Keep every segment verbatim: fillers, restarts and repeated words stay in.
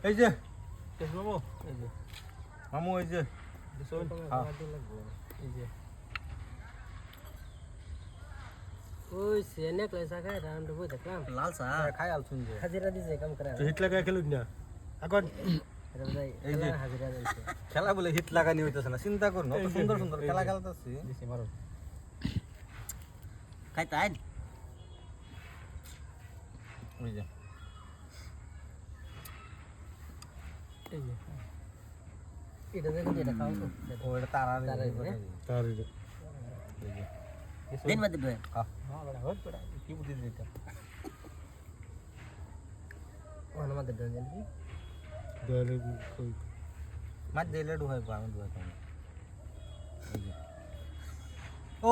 এই যে শেষ বাবু এই যে মামু এই যে দিছুন হ্যাঁ। এই যে ওই সে নেকলেস আগায় রাউন্ড বই দেখলাম লাল চা খাই আলছুন যে হাজিরা দিছে কাম করে তো হিট লাগা খেলুন না এখন আরে ভাই এই যে। খেলা হাজিরা দিছে খেলা বলে হিট লাগানি হইতেছে না চিন্তা করুন অত সুন্দর সুন্দর খেলা খেলতেছি দিছি মারো খাই তাই ওই যে এই যে এটা দেখো যেটা খাও তো ও এটা তারা তারাই, হ্যাঁ? তার দিন মধ্যে বে না বড় হট বড় কি বুদ্ধি দিতা ওখানে আমাদের দেন জানি দলে কই মাছ দিলে ডুহাই পা আমি ডুহাই পাবো এই যে ও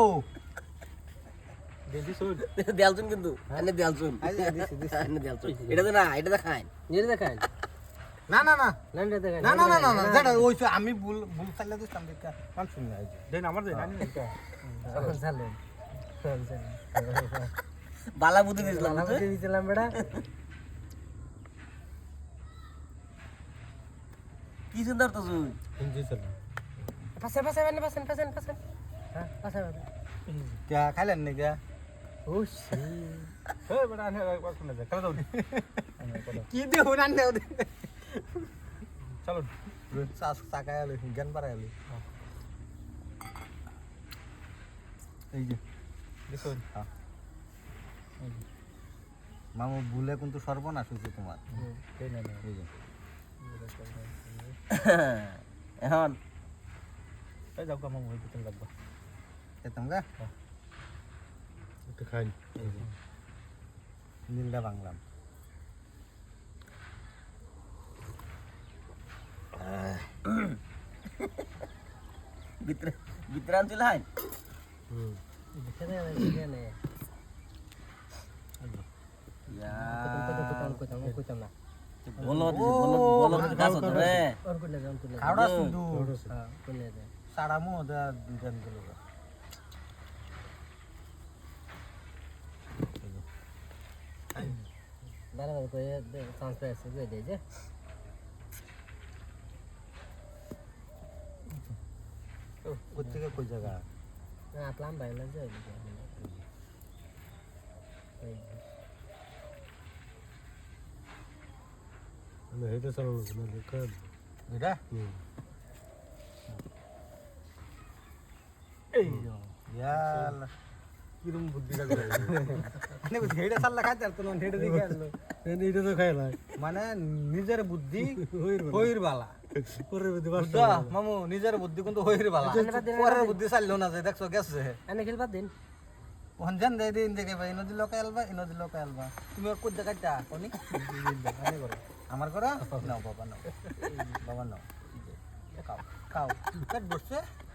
দিছুন দেয়ালছুন কিন্তু এনে দেয়ালছুন এই যে দিছি দিছি এনে দেয়ালছুন এটা তো না এটা তো খাই নিয়ে দেখান না না না না এটা দেখান না না না না না যেটা ওই যে আমি ভুল ভুল চাইলে দিতাম দেখা মান শুনি না এই যে দেন আমার দেন আমি এটা চালেন বালা বুদ্ধি দিছিলাম লালা বুঝে দিছিলাম বেটা কি সুন্দর তো তুই হিন্দি চল পাশে পাশে মানে পাশে পাশে পাশে হ্যাঁ পাশে পাশে কে খাইলেন নি কে ও সি হে বড় আনে একবার শুনে যা খেলা দাও কি দেও না দেও চলো সাস সাকায় আলো জ্ঞান পারায় আলো এই যে দিছুন হ্যাঁ মামু ভুলে কিন্তু সর্বনাশ হয়েছে তোমার দেন না এই যে এখন এই যাও কাম হই ভিতর লাগবা খেতাম গা একটু খাই এই যে নীলটা বাংলাম ভিতরে ভিতরে আনছিল হাই হুম দেখে না দেখে না ইয়া কত কত কত কত কত না বলো বলো বলো কাজ হতো রে और कुछ लगा कुछ लगा খাওড়া শুধু हां कुछ ले दे সাড়া মো দা দুজন গেল बराबर को ये ट्रांसफर से दे दे जे কোথেকে কই জায়গা ना प्लान भाई लग जाए না এটা চলো না দেখা এটা হুম এই ইয়ালা কিরম বুদ্ধি লাগবে মানে হেডে সাল্লা খাইতে তো নন হেডে দিকে আসলো এটা তো খাই না মানে নিজের বুদ্ধি হইর হইর বালা পরে বুদ্ধি বুদ্ধা মামু নিজের বুদ্ধি কিন্তু হইর বালা পরের বুদ্ধি চাইলো না যে দেখছো গেছে انا খেল বাদ দিন ওখান জান দেই দিন দেখে ভাই নদী লোকে আলবা নদী লোকে আলবা তুমি আর কই দেখাইতা কোনি আনে করো আমার করো নাও বাবা নাও বাবা নাও খাও খাও কাট বসছে